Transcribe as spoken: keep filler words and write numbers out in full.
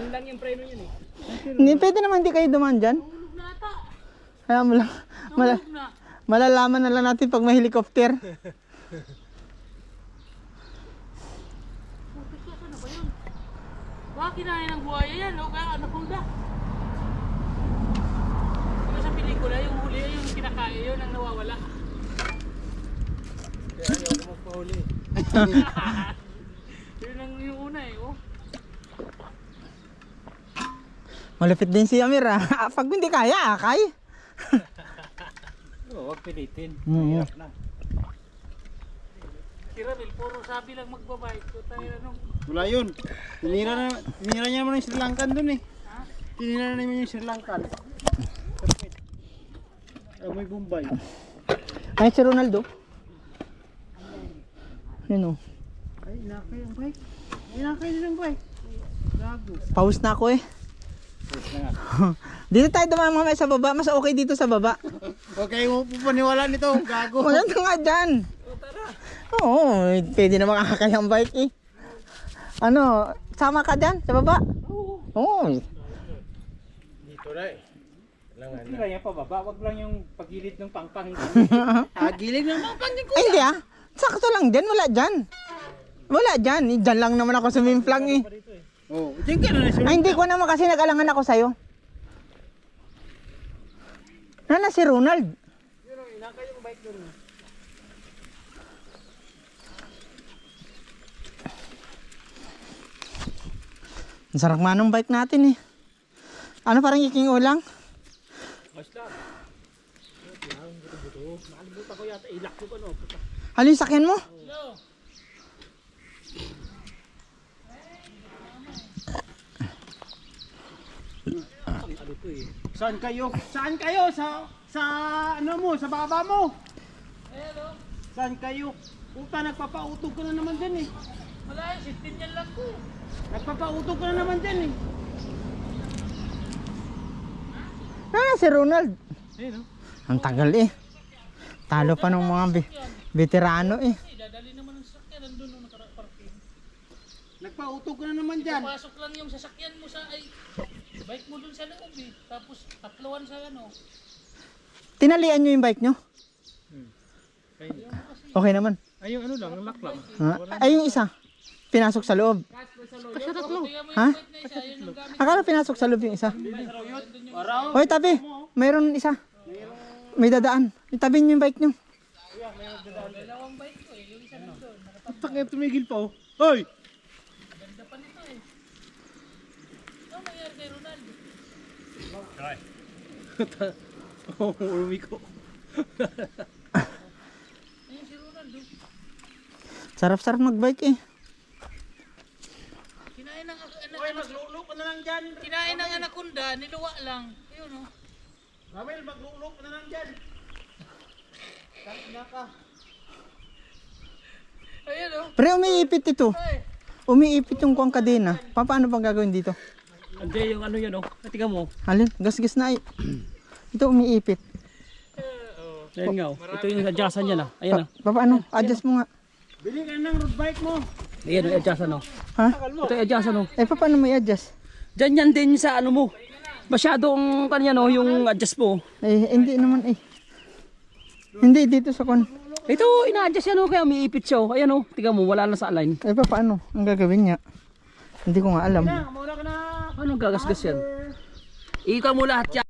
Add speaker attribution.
Speaker 1: lang yung preno yun eh.
Speaker 2: Hindi, pwede naman hindi kayo dumaan dyan.
Speaker 1: Nahulog na ata.
Speaker 2: Kaya mo lang. Mala,
Speaker 1: Nahulog na.
Speaker 2: malalaman na lang natin pag may helicopter.
Speaker 1: Putik ka, ano ba yun? Baka kinain ng buhaya yan, o kaya anaconda. Diba sa pelikula, yung huli yung kinakain yun ang nawawala.
Speaker 3: Kaya ayaw ko magpahuli.
Speaker 1: Yun ang yung una eh, oh.
Speaker 2: Malapit din si Amir ah. Pag hindi kaya, akay.
Speaker 3: Oo, huwag pilitin.
Speaker 2: Mm.
Speaker 3: Hirap na.
Speaker 1: Si Ramil, puro sabi lang magbabike. So tayo anong...
Speaker 3: Wala yun. Tinira na, tinira niya naman yung Sri Lankan dun eh.
Speaker 1: Ha?
Speaker 3: Tinira na naman yung Sri Lankan. Amoy Bombay.
Speaker 2: Ay, si Ronaldo. Yun o.
Speaker 3: Ay, inakay ang bike. Inakay din ang bike. Gago.
Speaker 2: Pause na ako eh.
Speaker 3: Pause na nga.
Speaker 2: Dito tayo dumaan mamaya sa baba. Mas okay dito sa baba.
Speaker 3: Huwag kayo pupaniwala nito. Gago.
Speaker 2: Wala na nga dyan. Oo, pwede na makakakay ang bike eh. Ano, sama ka dyan sa baba? Oo.
Speaker 3: Dito na eh. Tira niya pa baba. Huwag lang yung pagilid ng pangpang. Ah, gilid ng pangpang din ko.
Speaker 2: Ay, hindi ah. Sakto lang dyan. Wala dyan. Wala dyan. Eh, dyan lang naman ako sumimplang eh.
Speaker 3: Oo, dyan ka na na.
Speaker 2: Ay, hindi ko naman kasi nag-alangan ako sa'yo. Nana si Ronald.
Speaker 3: Yun o, inakay yung bike dun.
Speaker 2: Ang sarap nga ng bike natin eh. Ano parang iking ulang?
Speaker 3: Basta. Nakalimutan ko yata. Ilak ko pa no.
Speaker 2: Halin sakyan mo?
Speaker 1: Hello?
Speaker 3: Ano to eh? Saan kayo? Saan kayo? Sa sa ano mo? Sa baba mo?
Speaker 1: Hello?
Speaker 3: Saan kayo? Puta, nagpapautog ka na naman dyan eh.
Speaker 1: Wala yun, sixteen yan lang ko.
Speaker 3: Nagpapautog ka na naman dyan eh.
Speaker 2: Nana si Ronald.
Speaker 3: Ayun o.
Speaker 2: Ang tagal eh. Talo pa ng mga be- veterano eh.
Speaker 1: Ay, dadali naman ang sasakyan. Nandun nung nakaraparking.
Speaker 3: Nagpautog ka na naman dyan.
Speaker 1: Pasok lang yung sasakyan mo sa ay bike mo dun sa loob eh. Tapos tatluan sa ano.
Speaker 2: Tinalian nyo yung bike nyo? Okay naman.
Speaker 3: Ay, yung ano lang, ang laklang.
Speaker 2: Ha? Ay yung isa. Pinasok sa loob.
Speaker 1: Kasi tatlo.
Speaker 2: Ha?
Speaker 1: Bike na isa, yun yung gamit.
Speaker 2: Akala pinasok sa loob yung isa.
Speaker 3: Araw.
Speaker 2: Hoy tabi. Mayroon isa. May dadaan. Itabi nyo yung bike nyo.
Speaker 1: Dalawang bike ko eh. Yung isa nandun.
Speaker 3: Putak nga tumigil pa oh. Hoy!
Speaker 1: Ganda pa nito eh. Ano nangyari kay Ronaldo?
Speaker 3: Oh, umiko.
Speaker 1: Ayun si Ronaldo.
Speaker 2: Sarap-sarap magbike eh.
Speaker 1: Kinain ng anak.
Speaker 3: Hoy, maglulo ka na lang dyan.
Speaker 1: Kinain ng anaconda, niluwa lang. Ayun oh.
Speaker 3: Ramel, maglulo ka na lang dyan. Tangina ka.
Speaker 1: Ayun oh.
Speaker 2: Pre, umiipit ito.
Speaker 1: Ay.
Speaker 2: Umiipit yung kuwang kadena. Pa, paano pang gagawin dito?
Speaker 3: Hindi, yung ano yan oh. Tingnan mo.
Speaker 2: Halin, gas-gas na eh. Ito umiipit.
Speaker 3: Ayan nga oh. Ito yung adjustan niya na. Ayan
Speaker 2: Pa, pa, paano? Adjust mo nga.
Speaker 3: Bili ka ng road bike mo.
Speaker 4: Ayan yung adjustan oh.
Speaker 2: Ha?
Speaker 4: Ito yung adjustan oh.
Speaker 2: Eh, pa, paano mo i-adjust?
Speaker 4: Diyan yan din sa ano mo. Masyadong kanya no, yung adjust mo.
Speaker 2: Eh, hindi naman eh. Hindi, dito sa kon.
Speaker 4: Ito, ina-adjust yan oh, kaya umiipit siya oh. Ayan oh, tingnan mo, wala na sa align.
Speaker 2: Eh, pa, paano? Ang gagawin niya? Hindi ko nga alam.
Speaker 3: Muna ka na.
Speaker 4: Ano gagasgas yan? Ikaw mo lahat yan.